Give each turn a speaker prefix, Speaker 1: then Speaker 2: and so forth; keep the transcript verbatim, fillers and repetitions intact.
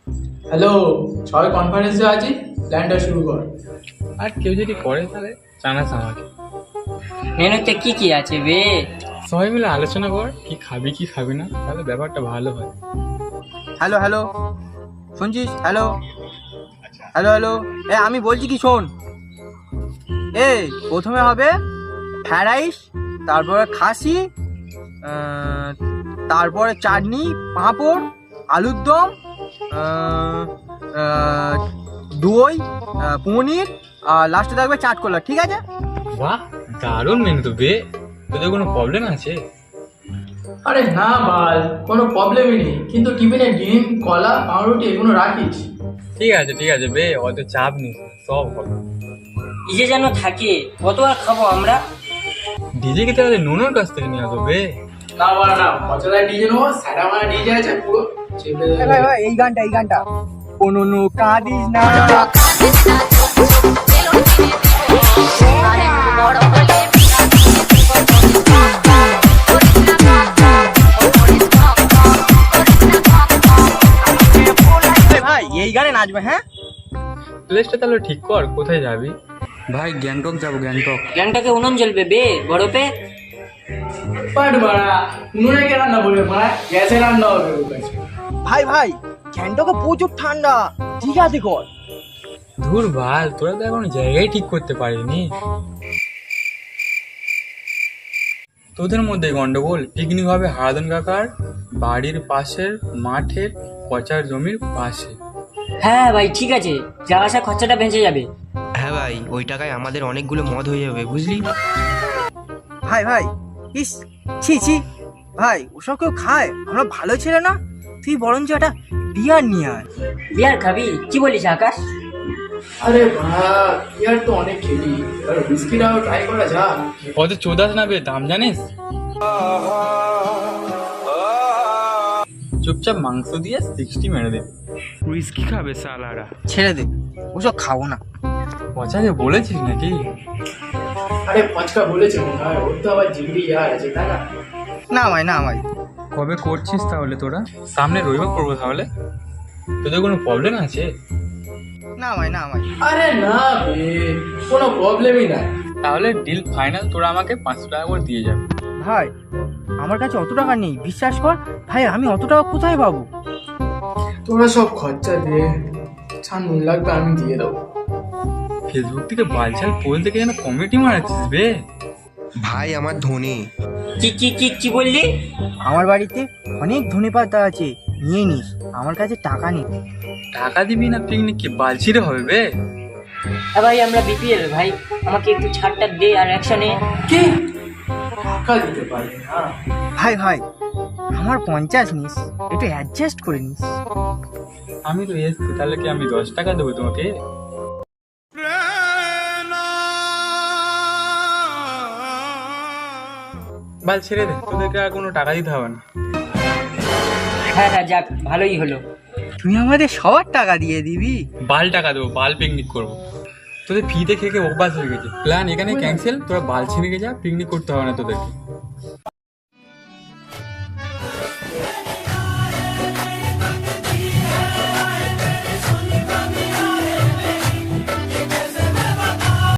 Speaker 1: Hello, সবাই কনফারেন্সে আছি, প্ল্যানটা শুরু কর।
Speaker 2: আর কেউ যদি করে তাহলে জানাস আমাকে।
Speaker 3: মেনুতে কি কি আছে বে?
Speaker 2: সবাই মিলে আলোচনা কর কি খাবি কি খাবি না, তাহলে ব্যাপারটা ভালো হয়।
Speaker 4: হ্যালো হ্যালো, শুনছিস? হ্যালো হ্যালো হ্যালো, এ আমি বলছি কি শোন, এ প্রথমে হবে ফ্রাইড রাইস, তারপরে খাসি, আহ, তারপরে চাটনি, পাঁপড়, আলুর দম, আহ, আহ, দই, আহ, পনির, আর লাস্টে থাকবে চাটকোলা। ঠিক আছে?
Speaker 2: বাহ, দারুণ মেনু তো বে। তোদের কোনো প্রবলেম আছে?
Speaker 1: আরে না বাল, কোনো প্রবলেমই নেই, কিন্তু টিফিনে ডিম, কলা, পাউরুটি এগুলো রাখিস।
Speaker 2: ঠিক আছে ঠিক আছে বে, অত চাপ নিস না, সব হবে।
Speaker 3: ইজে যেন থাকে, কত আর খাবো আমরা?
Speaker 2: ডিজে কে তাহলে নুনোর কাছ থেকে নিয়ে আসো বে।
Speaker 1: না বাড়া না, পচা ডিজে নেবো, স্যাটা মারা ডিজে আছে পুরো চেপে দেবে।
Speaker 4: ভাই ভাই এই গানটা এই গানটা কোনো নো কাঁদিস না। ভাই এই গানে নাচবে? হ্যাঁ,
Speaker 2: প্লেসটা তাহলে ঠিক কর, কোথায় যাবি?
Speaker 5: ভাই গ্যাংটক যাবো, গ্যাংটক।
Speaker 3: গ্যাংটাকে উনুন জ্বলবে বে বরফে।
Speaker 1: বাট বাড়া, উনুনে কে রান্না করবে মারা, গ্যাসে রান্না হবে ওর কাছে।
Speaker 4: ভাই ভাই গ্যাংটকে প্রচুর ঠান্ডা, ঠিক আছে কর।
Speaker 2: ধুর ভাল, তোরা তো এখনো জায়গায় ঠিক করতে পারিনি। তোদের মধ্যে গন্ডগোল। পিকনিক হবে হারাধন কাকার বাড়ির পাশের মাঠের পচার জমির পাশে।
Speaker 3: হ্যাঁ ভাই ঠিক আছে, যাওয়া আসা খরচাটা বেঁচে যাবে।
Speaker 5: হ্যাঁ ভাই, ওই টাকায় আমাদের অনেকগুলো মদ হয়ে যাবে, বুঝলি?
Speaker 4: ভাই ভাই ইস, ছি ছি ভাই, ওসব কেউ খায়? আমরা ভালো ছেলে না, তুই বরঞ্চ একটা বিয়ার নিয়ে আয়।
Speaker 3: বিয়ার খাবি? কি বলিস আকাশ?
Speaker 1: আরে বাড়া, ইয়ার তো অনেক খেলি, আর বিস্কিটাও ট্রাই করা যাক।
Speaker 2: অত চোদাস না বে, দাম জানিস? চুপচাপ মাংস দিয়ে সিক্সটি মেরে দেবে।
Speaker 5: উইস্কি খাবে সালারা?
Speaker 4: ছেড়ে দে, ওসব খাবো না।
Speaker 2: পচাকে বলেছিস নাকি?
Speaker 1: আরে পচকা বলেছে মনে হয়, ওর তো আবার জিগড়ি ইয়ার আছে তাই না?
Speaker 4: না ভাই না ভাই।
Speaker 2: কবে করছিস তাহলে তোরা? সামনে রবিবার করবো তাহলে। তোদের কোনো প্রবলেম আছে?
Speaker 4: না ভাই না ভাই।
Speaker 1: আরে না বে, কোনো প্রবলেমই নাই।
Speaker 2: তাহলে ডিল ফাইনাল, তোরা আমাকে পাঁচশো টাকা করে দিয়ে যাবে।
Speaker 4: ভাই আমার কাছে অত টাকা নেই, বিশ্বাস কর ভাই, আমি অত টাকা কোথায় পাবো?
Speaker 1: তোরা সব খরচা দিয়ে ছাড়, নুন লাগবে আমি দিয়ে দেবো।
Speaker 2: ফেসবুক থেকে বালছাল পোল থেকে যেন কমেডি মারাচ্ছিস বে।
Speaker 5: ভাই আমার ধনী।
Speaker 3: কি কি কি কি বললি?
Speaker 4: আমার বাড়িতে অনেক ধনেপাতা আছে, নিয়ে নিস, আমার কাছে টাকা নেই।
Speaker 2: টাকা দিবি না পিকনিক কি বালছিরে হবে বে?
Speaker 3: হ্যাঁ ভাই, আমরা বিপিএল ভাই, আমাকে একটু ছাড়টা দে আর অ্যাকশনে।
Speaker 1: কি টাকা দিতে পারবে না?
Speaker 4: ভাই ভাই আমার পঞ্চাশ নিস, একটু অ্যাডজাস্ট করে নিস।
Speaker 2: আমি তো এসছি, তাহলে কি আমি দশ টাকা দেবো তোমাকে? বাল ছেড়ে দে, তোদেরকে আর কোনো টাকা দিতে হবে না।
Speaker 3: হ্যাঁ হ্যাঁ যাক, ভালোই হলো।
Speaker 4: তুই আমাদের সবার টাকা দিয়ে দিবি?
Speaker 2: বাল টাকা দেবো, বাল পিকনিক করবো। তোদের ফিতে খেয়ে খেয়ে অভ্যাস হয়ে গেছে। প্ল্যান এখানে ক্যান্সেল, তোরা বাল ছিঁড়ে যা, পিকনিক করতে হবে না তোদেরকে।